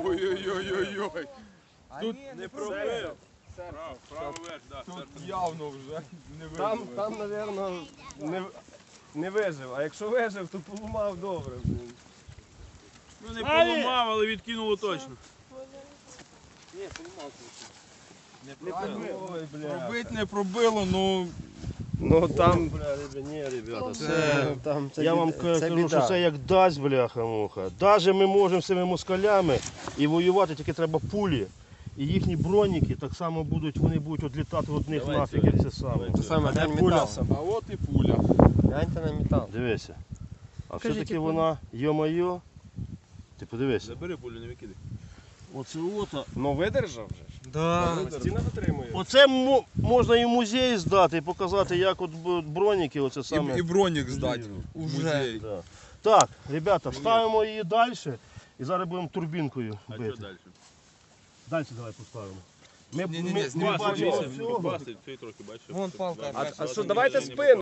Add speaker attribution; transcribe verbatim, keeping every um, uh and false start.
Speaker 1: Ой-ой-ой-ой-ой.
Speaker 2: Тут не пробив.
Speaker 1: Правий верх, так. Тут явно вже не вижив.
Speaker 2: Там, там, мабуть, не, не вижив. А якщо вижив, то поламав добре.
Speaker 3: Ну не поламав, але відкинуло точно.
Speaker 2: Не пробив. Ой, бля.
Speaker 1: Пробить не пробило, ну...
Speaker 4: Ну там,
Speaker 2: Бля, ребя, ні, ребята, це...
Speaker 4: це, там це
Speaker 5: Я
Speaker 4: біда-
Speaker 5: вам
Speaker 4: це
Speaker 5: кажу,
Speaker 4: біда.
Speaker 5: що це як дасть, бляха-муха. Даже ми можемо з цими москалями і воювати, тільки треба пулі. І їхні броніки так само будуть, вони будуть відлітати від них
Speaker 2: Давай
Speaker 5: нафіг,
Speaker 2: цього.
Speaker 5: як це саме.
Speaker 4: Це саме
Speaker 5: А де
Speaker 4: глянь
Speaker 5: пуля?
Speaker 4: метал.
Speaker 1: А от і пуля.
Speaker 4: Гляньте на метал.
Speaker 5: Дивися. А
Speaker 4: Покажіть,
Speaker 5: все-таки
Speaker 4: яку.
Speaker 5: вона, йо-моє, ти подивися.
Speaker 3: Забери пулю, не викидай.
Speaker 5: Оце ото.
Speaker 2: Ну видержав вже ж.
Speaker 4: Да.
Speaker 2: Стіна витримує.
Speaker 5: Оце мо- можна і в музей здати і показати, як от б- броніки, оце саме.
Speaker 1: І, і бронік здати в
Speaker 4: Уже.
Speaker 1: музей.
Speaker 5: Да. Так, ребята, ставимо її далі і зараз будемо турбінкою
Speaker 3: А
Speaker 5: бити.
Speaker 3: що далі?
Speaker 5: Далі давай поставимо. Ми,
Speaker 1: Ні-ні-ні,
Speaker 5: ми, ми
Speaker 1: знімай,
Speaker 5: бачимо
Speaker 1: знімай.
Speaker 5: цього.
Speaker 3: Попасти, цей трохи, бачиш.
Speaker 4: Вон палка.
Speaker 2: А, а що, давайте спину.